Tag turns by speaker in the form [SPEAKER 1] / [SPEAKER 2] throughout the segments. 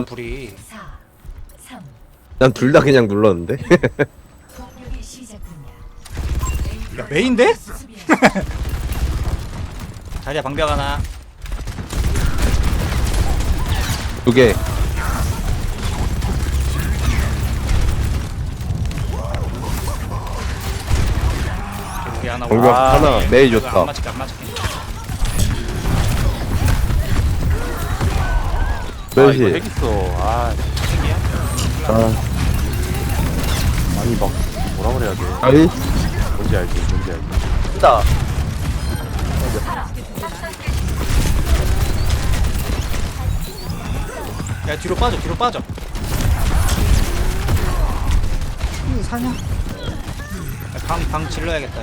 [SPEAKER 1] 불이.
[SPEAKER 2] 난 둘 다 그냥 눌렀는데.
[SPEAKER 1] 야 메인데? 자리야 방벽 하나.
[SPEAKER 2] 두 개.
[SPEAKER 1] 여기 하나.
[SPEAKER 2] 방벽 하나. 메이
[SPEAKER 1] 이거
[SPEAKER 2] 좋다.
[SPEAKER 1] 안 맞을게 안 맞을게.
[SPEAKER 3] 아 이거
[SPEAKER 2] 멜시.
[SPEAKER 3] 핵 있어. 아
[SPEAKER 1] 핵이야?
[SPEAKER 2] 아,
[SPEAKER 3] 아니 막 뭐라 그래야 돼.
[SPEAKER 2] 아이.
[SPEAKER 3] 뭔지 알지 뭔지 알지.
[SPEAKER 4] 있다.
[SPEAKER 1] 야 뒤로 빠져 뒤로 빠져. 사냐? 방 질러야겠다.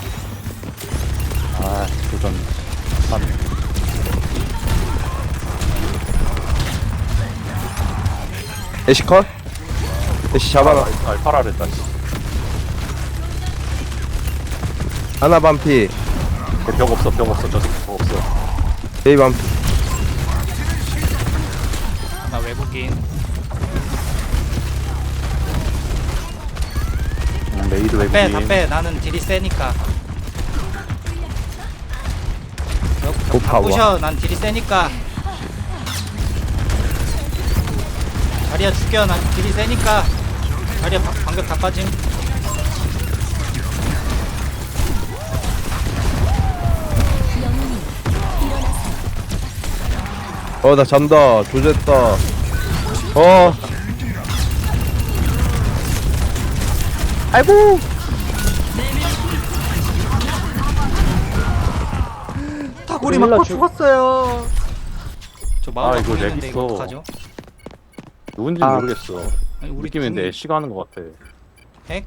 [SPEAKER 3] 아 도전 3.
[SPEAKER 2] 애쉬 컷? 애쉬 잡아라.
[SPEAKER 3] 알파라랬다.
[SPEAKER 2] 하나 반피.
[SPEAKER 3] 벽 없어 벽 없어 저 벽 없어.
[SPEAKER 2] 메이 반피.
[SPEAKER 1] 나 외국인.
[SPEAKER 3] 메이드
[SPEAKER 1] 빼 다
[SPEAKER 3] 외국인.
[SPEAKER 1] 빼. 나는 딜이 세니까.
[SPEAKER 2] 고파워.
[SPEAKER 1] 부셔. 난 딜이 세니까. 자리야 죽여. 난 딜이 세니까. 자리야 방벽 다 빠짐.
[SPEAKER 2] 나 잔다. 조졌다. 아이고.
[SPEAKER 1] 다구리 맞고 죽었어요. 저 마음
[SPEAKER 3] 아, 이거 렉
[SPEAKER 1] 보이는데 이거
[SPEAKER 3] 있어.
[SPEAKER 1] 어떡하죠?
[SPEAKER 3] 누군지
[SPEAKER 2] 아.
[SPEAKER 3] 모르겠어.
[SPEAKER 1] 아니, 우리
[SPEAKER 3] 느낌인데
[SPEAKER 1] 궁이-
[SPEAKER 3] 애쉬가 하는 것 같아.
[SPEAKER 1] 핵?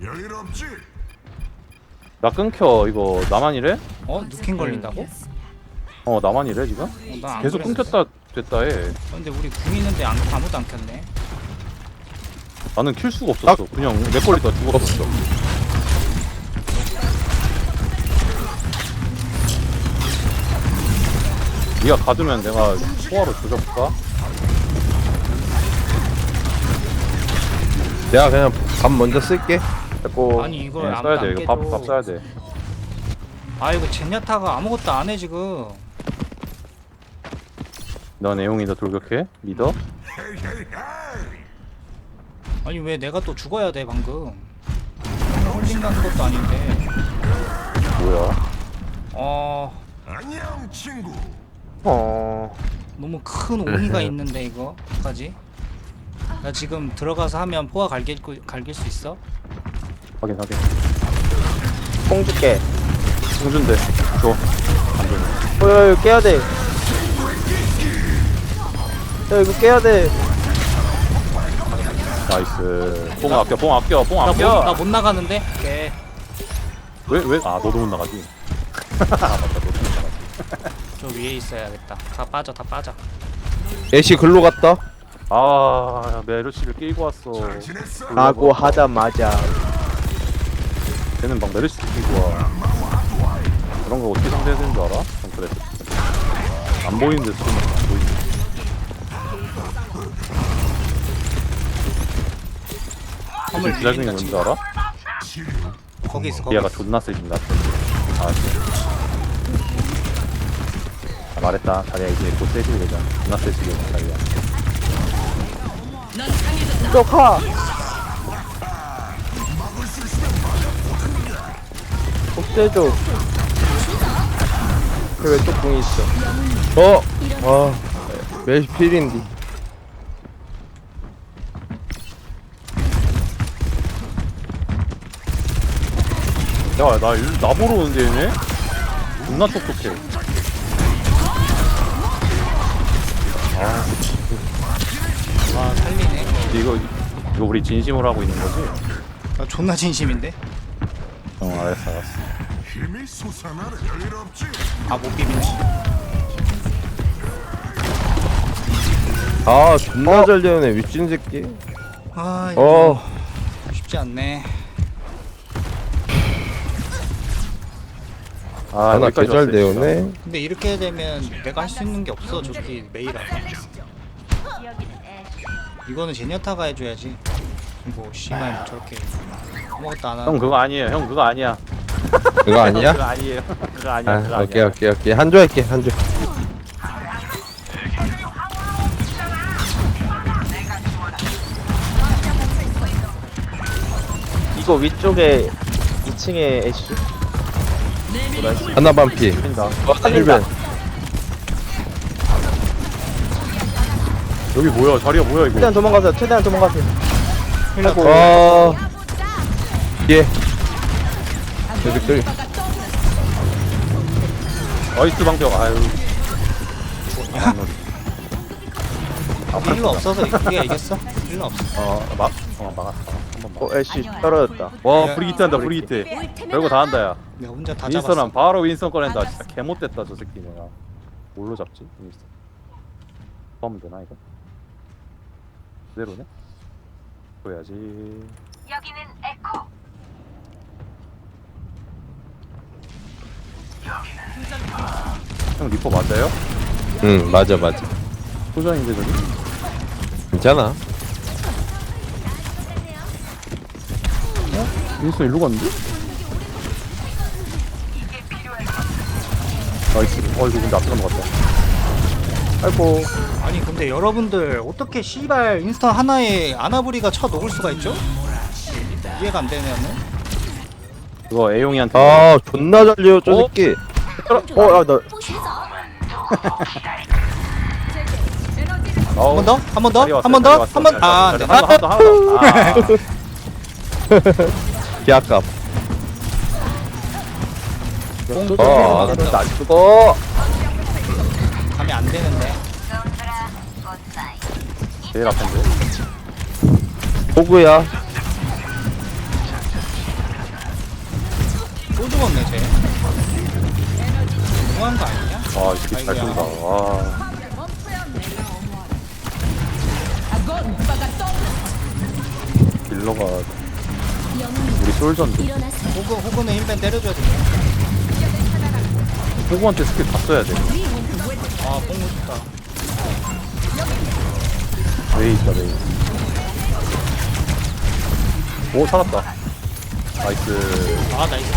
[SPEAKER 3] 나 끊겨 이거 나만 이래?
[SPEAKER 1] 누킹 걸린다고?
[SPEAKER 3] 나만 이래 지금?
[SPEAKER 1] 나안
[SPEAKER 3] 계속
[SPEAKER 1] 그랬는데.
[SPEAKER 3] 끊겼다 됐다 해.
[SPEAKER 1] 근데 우리 궁 있는데 아무도 안 켰네.
[SPEAKER 3] 나는 킬 수가 없었어. 그냥 내 걸리다 죽었어. 네가 가두면 내가 소화로 조져볼까?
[SPEAKER 2] 내가 그냥 밥 먼저 쓸게.
[SPEAKER 3] 됐고.
[SPEAKER 1] 아니, 이걸
[SPEAKER 3] 네,
[SPEAKER 1] 아무도
[SPEAKER 3] 써야 돼.
[SPEAKER 1] 안
[SPEAKER 3] 이거
[SPEAKER 1] 깨도.
[SPEAKER 3] 밥 써야 돼.
[SPEAKER 1] 아 이거 젠야타가 아무것도 안 해 지금.
[SPEAKER 3] 너 내용이 더 돌격해? 믿어?
[SPEAKER 1] 아니 왜 내가 또 죽어야 돼 방금. 홀딩 가는 것도 아닌데.
[SPEAKER 3] 뭐야?
[SPEAKER 5] 안녕 친구.
[SPEAKER 1] 너무 큰 옹이가 있는데 이거까지. 나 지금 들어가서 하면 포화 갈길 수 있어?
[SPEAKER 3] 확인 확인.
[SPEAKER 4] 뽕 줄게.
[SPEAKER 3] 승준대 줘. 안 줘.
[SPEAKER 4] 이거 깨야 돼. 야, 이거 깨야 돼.
[SPEAKER 3] 나이스. 뽕 아껴 뽕 아껴 뽕
[SPEAKER 1] 나
[SPEAKER 3] 아껴.
[SPEAKER 1] 못 나가는데? 오케이.
[SPEAKER 3] 왜? 아 너도 못 나가지. 맞다 너도 못 나가지.
[SPEAKER 1] 저 위에 있어야겠다. 다 빠져 다 빠져.
[SPEAKER 2] 애쉬 글로 갔다.
[SPEAKER 3] 아 메르시를 끼고 왔어.
[SPEAKER 5] 지냈어?
[SPEAKER 4] 라고 하자마자
[SPEAKER 3] 걔는 막 메르시 끼고 와. 그런 거 어떻게 상대해야 되는 줄 알아? 정크레. 안 보이는데 쓰면 안 보이는데.
[SPEAKER 1] 화물
[SPEAKER 3] 기다리는 게
[SPEAKER 1] 밀린다
[SPEAKER 3] 뭔지
[SPEAKER 1] 지금.
[SPEAKER 3] 알아?
[SPEAKER 1] 거기 있어 거기
[SPEAKER 3] 얘가
[SPEAKER 1] 있어.
[SPEAKER 3] 존나 세진다. 아, 말했다. 자리야 이제 곧 세지게 되잖아. 존나 세지게 되잖아. 자리야.
[SPEAKER 4] 쏙하. 복제줘. 왜또 궁이 있어?
[SPEAKER 2] 메시 필인디.
[SPEAKER 3] 야, 나 보러 오는데 얘네? 존나 똑똑해.
[SPEAKER 1] 와 살리네.
[SPEAKER 3] 근데 이거 우리 진심으로 하고 있는 거지?
[SPEAKER 1] 나 존나 진심인데?
[SPEAKER 3] 알았어.
[SPEAKER 5] 힘이 솟아나는 여유 없지.
[SPEAKER 1] 아 못 비비네.
[SPEAKER 2] 존나 잘 되네 미친 새끼.
[SPEAKER 1] 아 이거
[SPEAKER 2] 어.
[SPEAKER 1] 쉽지 않네.
[SPEAKER 2] 하나
[SPEAKER 3] 여기까지
[SPEAKER 2] 개잘
[SPEAKER 3] 왔어,
[SPEAKER 2] 되네.
[SPEAKER 1] 근데 이렇게 되면 내가 할 수 있는 게 없어. 저기 메이라서. 이거는 제니아타가 해줘야지. 뭐 씨발 저렇게 아무것도 안 하는.
[SPEAKER 3] 형 그거 아니에요. 형 그거 아니야.
[SPEAKER 2] 그거 아니야?
[SPEAKER 3] 그거 아니에요. 그거 아니야. 그거
[SPEAKER 2] 아, 오케이
[SPEAKER 3] 아니야.
[SPEAKER 2] 오케이 오케이 한조 할게 한조.
[SPEAKER 4] 이거 위쪽에 2층에 애쉬.
[SPEAKER 2] 하나 반피.
[SPEAKER 3] 뛴다.
[SPEAKER 2] 힐벤.
[SPEAKER 3] 여기 뭐야? 자리가 뭐야 이거?
[SPEAKER 4] 최대한 도망가세요. 최대한 도망가세요.
[SPEAKER 1] 힐러고.
[SPEAKER 2] 예. 여기 또
[SPEAKER 3] 나이스 방벽. 아유.
[SPEAKER 1] 힐러 없어서 우리가 이겼어? 힐러 없어.
[SPEAKER 3] 막았어. 한번 막.
[SPEAKER 4] 애쉬 떨어졌다.
[SPEAKER 3] 와 브리기트 한다 브리기트. 별거 다 한다 야.
[SPEAKER 1] 내가 혼자 다
[SPEAKER 3] 윈스턴은
[SPEAKER 1] 잡았어.
[SPEAKER 3] 바로 윈스턴 꺼낸다. 진짜 개못됐다 저 새끼 내가. 뭘로 잡지? 윈스턴. 하면 되나 이거? 그대로네? 보여야지.
[SPEAKER 6] 여기는 에코.
[SPEAKER 3] 형 리퍼 맞아요?
[SPEAKER 2] 응 맞아 맞아.
[SPEAKER 3] 소전인데 저기?
[SPEAKER 2] 괜찮아.
[SPEAKER 3] 윈스턴 일로 갔는데? 나이스. 이거 근데 앞에 넘어갔다. 아이고.
[SPEAKER 1] 아니 근데 여러분들 어떻게 씨발 인스턴 하나에 아나브리가 쳐 녹을 수가 있죠? 이해가 안 되면은.
[SPEAKER 3] 그거 애용이한테.
[SPEAKER 2] 아 존나 잘려 저
[SPEAKER 3] 어?
[SPEAKER 2] 새끼.
[SPEAKER 4] 나
[SPEAKER 1] 한 번 더? 한 번 더?
[SPEAKER 3] 자리 왔어요,
[SPEAKER 1] 한 번 더?
[SPEAKER 3] 자리 왔어,
[SPEAKER 1] 한 번?
[SPEAKER 3] 자리
[SPEAKER 1] 아,
[SPEAKER 3] 왔어,
[SPEAKER 1] 안 돼.
[SPEAKER 3] 자리 왔어. 하나 더, 하나 더.
[SPEAKER 2] 개아깝.
[SPEAKER 1] 뽕.
[SPEAKER 2] 됐다.
[SPEAKER 4] 안 죽어.
[SPEAKER 1] 가면 안 되는데.
[SPEAKER 3] 제일 앞인데.
[SPEAKER 2] 호구야.
[SPEAKER 1] 또 죽었네 쟤. 너무한 거 아니냐?
[SPEAKER 3] 아, 이 새끼 잘 쏜다. 와. 딜러가 우리 솔전데.
[SPEAKER 1] 호그는 힐벤 때려줘야 돼.
[SPEAKER 3] 호구한테 스킬 다 써야 돼.
[SPEAKER 1] 아, 뽕 좋다.
[SPEAKER 3] 메이 있다, 메이. 오, 살았다. 나이스.
[SPEAKER 1] 아, 나이스.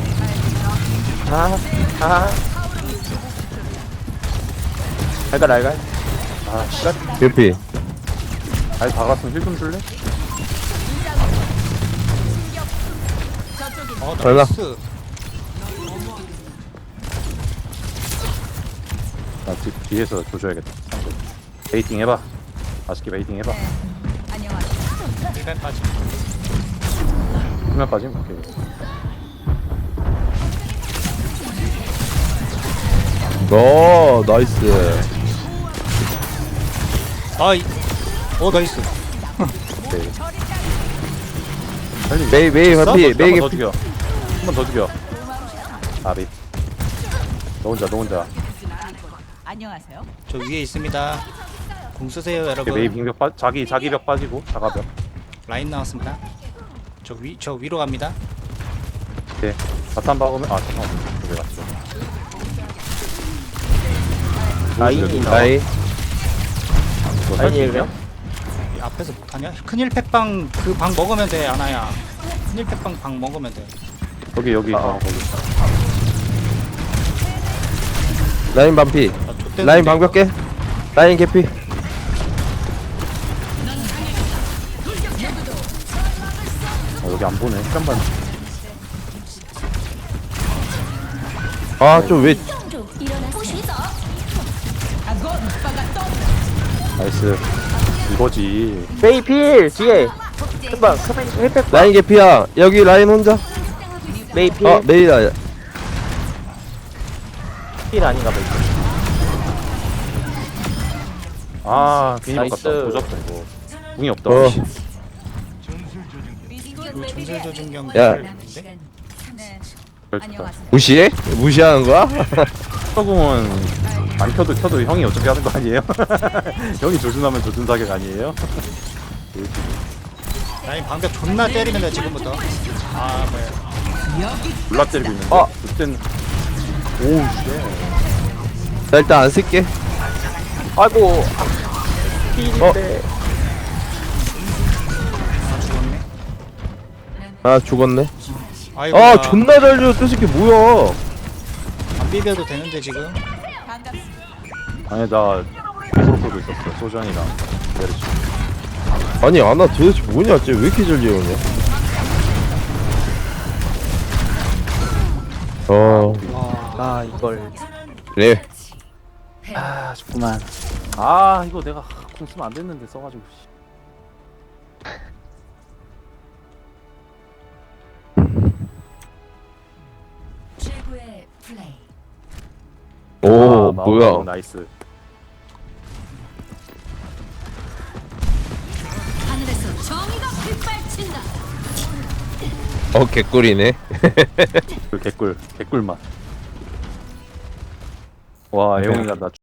[SPEAKER 4] 알갈.
[SPEAKER 3] 아, 씨발.
[SPEAKER 2] 개피.
[SPEAKER 3] 아니, 다 갔으면 힐 좀 줄래?
[SPEAKER 2] 잘가.
[SPEAKER 1] 나이스.
[SPEAKER 3] 나 뒤에서 조져야겠다. 베이팅 해봐. 맛있게 베이팅 해봐.
[SPEAKER 1] 힐벤 빠지.
[SPEAKER 3] 후면 빠짐? 오케이.
[SPEAKER 2] 오 나이스.
[SPEAKER 1] 아이. 나이스.
[SPEAKER 3] 오케이. 빨리.
[SPEAKER 2] 메이
[SPEAKER 1] 졌어?
[SPEAKER 2] 반피. 메이
[SPEAKER 3] 한번 더
[SPEAKER 2] 개피.
[SPEAKER 3] 죽여. 한 번 더 죽여. 아비. 너 혼자.
[SPEAKER 6] 안녕하세요.
[SPEAKER 1] 저 위에 있습니다. 공 쓰세요, 여러분.
[SPEAKER 3] 메이 빙벽 자기 벽 빠지고 자가벽.
[SPEAKER 1] 라인 나왔습니다. 저 위로 갑니다.
[SPEAKER 3] 오케이. 바탄 박으면 잠깐만. 왜 갔어?
[SPEAKER 4] 라인이
[SPEAKER 2] 나이.
[SPEAKER 4] 라인이에요?
[SPEAKER 1] 이 앞에서 못하냐? 큰일 팩방 그 방 먹으면 돼, 아나야. 큰일 팩방 방 먹으면 돼.
[SPEAKER 3] 여기 거기.
[SPEAKER 2] 라인 반피.
[SPEAKER 1] 아, 좆됐는데,
[SPEAKER 2] 라인
[SPEAKER 1] 이거.
[SPEAKER 2] 방벽 깨. 라인 개피.
[SPEAKER 3] 여기 안 보네. 잠깐만.
[SPEAKER 2] 아 좀 왜?
[SPEAKER 3] 나이스. 이거지.
[SPEAKER 4] 메이필 뒤에. 금방 힐팩.
[SPEAKER 2] 라인 개피야. 여기 라인 혼자.
[SPEAKER 4] 메이필.
[SPEAKER 2] 메이다.
[SPEAKER 4] 필 아닌가 봐.
[SPEAKER 3] 괜히
[SPEAKER 4] 나이스.
[SPEAKER 3] 바꿨다. 조졌다 이거. 궁이 없다.
[SPEAKER 2] 어.
[SPEAKER 1] 그 전술 조준경
[SPEAKER 2] 야.
[SPEAKER 1] 있는데?
[SPEAKER 3] 그렇다.
[SPEAKER 2] 무시해? 무시하는 거야?
[SPEAKER 3] 서궁은 안 켜도 형이 어차피 하는 거 아니에요? 형이 조준하면 조준 사격 아니에요?
[SPEAKER 1] 라인 방벽 존나 때리면 돼, 지금부터. 아, 뭐야.
[SPEAKER 3] 졸라 때리고 있는데. 그땐 오우 씨.
[SPEAKER 2] 나 일단 안 쓸게.
[SPEAKER 4] 아이고. 필인데.
[SPEAKER 2] 아 죽었네.
[SPEAKER 1] 아이고.
[SPEAKER 2] 아 존나 잘 지었어 새끼 뭐야.
[SPEAKER 1] 안 비벼도 되는데 지금.
[SPEAKER 6] 반갑습니다.
[SPEAKER 3] 아니 나 프로 끌고 있었어. 소전이랑 메르시.
[SPEAKER 2] 아니 아나 도대체 뭐냐 쟤 왜 이렇게 잘 지었냐.
[SPEAKER 4] 아 이걸
[SPEAKER 2] 그래.
[SPEAKER 4] 아 좋구만.
[SPEAKER 3] 아 이거 내가 공 쓰면 안 됐는데 써가지고. 씨.
[SPEAKER 6] 최고의 플레이.
[SPEAKER 2] 오
[SPEAKER 3] 아,
[SPEAKER 2] 뭐야.
[SPEAKER 3] 나이스.
[SPEAKER 6] 하늘에서 정의가 빗발친다.
[SPEAKER 2] 개꿀이네.
[SPEAKER 3] 개꿀 맛. 와 애용이가 나